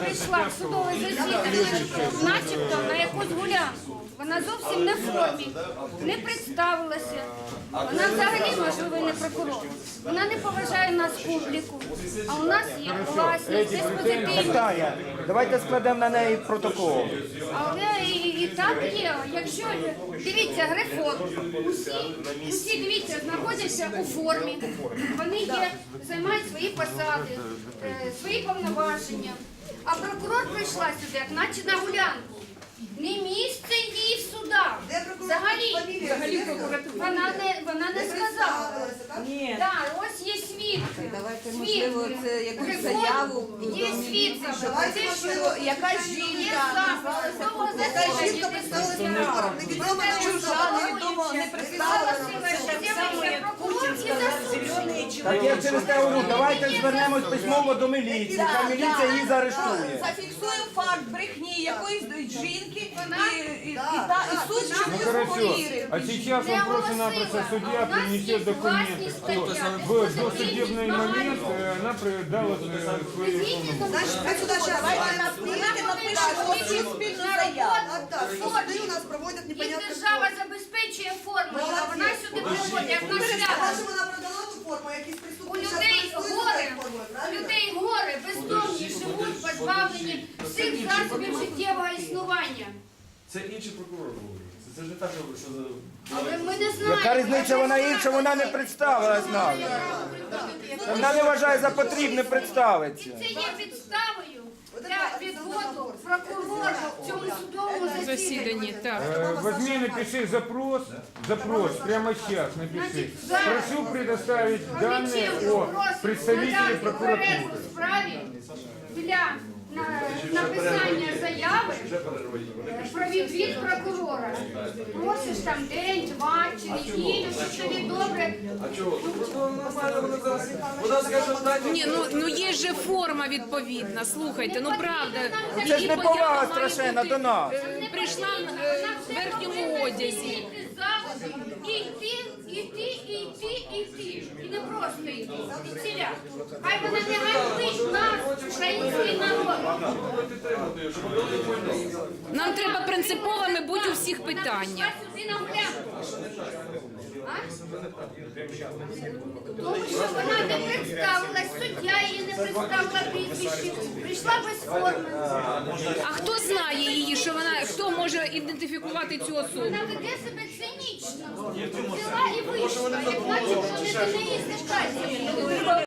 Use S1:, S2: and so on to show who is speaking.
S1: прийшла в судове засідання, начебто на якусь гулянку. Вона зовсім не в формі, не представилася. Вона взагалі, можливо, і не прокурор. Вона не поважає нас публіку. А у нас є класні, диспозитивні.
S2: Наталя, давайте складемо на неї протокол.
S1: Але і так є. Якщо, дивіться, Грифон, усі, дивіться, знаходяться у формі. Вони є, займають свої посади, свої повноваження. А прокурор прийшла сюди, як наче на гулянку. Не місце їй в судах. Взагалі вона не сказала.
S3: Ні.
S1: Так, ось є свідки.
S3: Давайте, можливо, це якусь заяву.
S1: Є свідки.
S3: Якась жінка представилася в формі. Невідомо чужа, невідомо не представилася.
S2: Так я через те говорю, давайте звернемось письмово до міліції, хай міліція її заарештує.
S3: Зафіксуємо факт брехні якоїсь жінки і суд чомусь
S4: Хорошо.
S3: повірив.
S4: А сейчас он просто-напросто судья принесет документы, что в досудебный момент она дала свои
S3: Давайте напишемо спільну заяву.
S5: Суди у нас проводять
S1: Їх
S5: непонятну
S1: держава забезпечує формою, а вона сюди приводить, як на шлях.
S5: Вона продала ту форму, якісь
S1: У
S5: преступники
S1: людей горе, бездомні живуть, позбавлені всіх засобів життєвого існування.
S6: Це інший прокурор говорить. Це ж не так, що
S1: Але ми не знаємо.
S2: Яка різниця, вона інша, вона не представилась нам. Вона не вважає за потрібне представитися.
S1: Це є підставою для відводу прокурора в цьому судовому засіданні.
S4: Возьми, напиши запрос, прямо сейчас напиши. Прошу предоставить данные о представителе прокуратуры.
S1: У справі для написання заяви про відвід прокурора. Просиш там день, два чи неділю, що тобі добре.
S6: А чого? Вона скаже, дайте.
S7: Ні, ну є же форма відповідна, слухайте, ну правда.
S2: Це ж
S7: Її
S2: не повага
S7: поява має
S2: страшенна
S7: бути,
S2: до нас.
S7: Прийшла в верхньому одязі.
S1: Іти. І не просто йти. Ціля. Хай вона не ганьбить нас, український народ.
S7: Нам треба принциповими бути у всіх питаннях.
S1: Сюди на гулянку. Тому що вона не представилась, суддя її не представила прізвище, прийшла без форми.
S7: А хто знає її, що вона, хто може ідентифікувати цю особу?
S1: Вона веде себе цинічно. Взяла і вийшла, як начебто не до неї стикається.